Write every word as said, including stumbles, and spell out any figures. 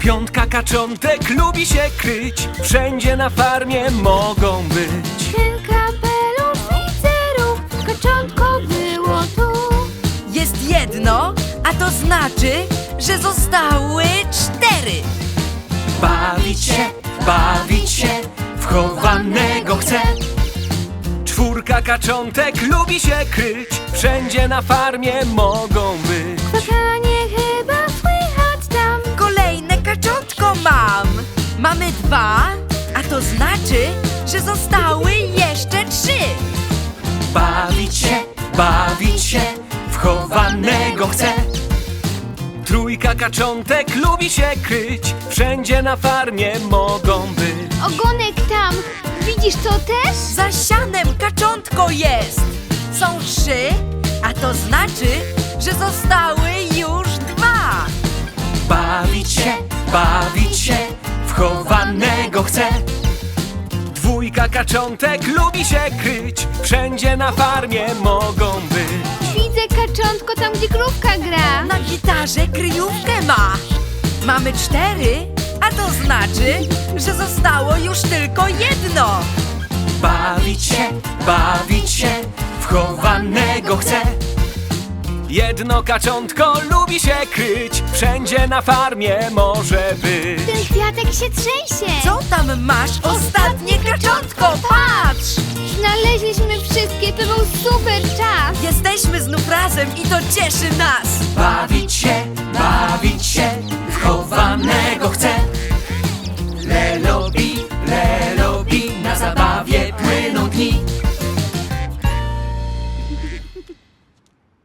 Piątka kaczątek lubi się kryć, wszędzie na farmie mogą być. Ten kapelusz widzę rów, kaczątko było tu. Jest jedno, a to znaczy, że zostały cztery. Bawić się, bawić się, w chowanego chce. Czwórka kaczątek lubi się kryć, wszędzie na farmie mogą być. Kwakanie chyba słychać tam. Kolejne kaczątko mam. Mamy dwa, a to znaczy, że zostały jeszcze trzy. Bawić się, bawić się, w chowanego chce. Trójka kaczątek lubi się kryć, wszędzie na farmie mogą być. Ogonek tam. Widzisz to też? Za sianem kaczątko jest. Są trzy, a to znaczy, że zostały już dwa. Bawić się, bawić się, w chowanego chce. Dwójka kaczątek lubi się kryć, wszędzie na farmie mogą być. Widzę kaczątko tam, gdzie krówka gra. Na gitarze kryjówkę ma. Mamy cztery, a to znaczy, że zostało już tylko jedno. Bawić się, bawić się, w chowanego chce. Jedno kaczątko lubi się kryć, wszędzie na farmie może być. Ten kwiatek się trzęsie. Co tam masz? Ostatnie kaczątko, patrz! Znaleźliśmy wszystkie, to był super czas. Jesteśmy znów razem i to cieszy nas. Bawić się, bawić się, w chowanego chce.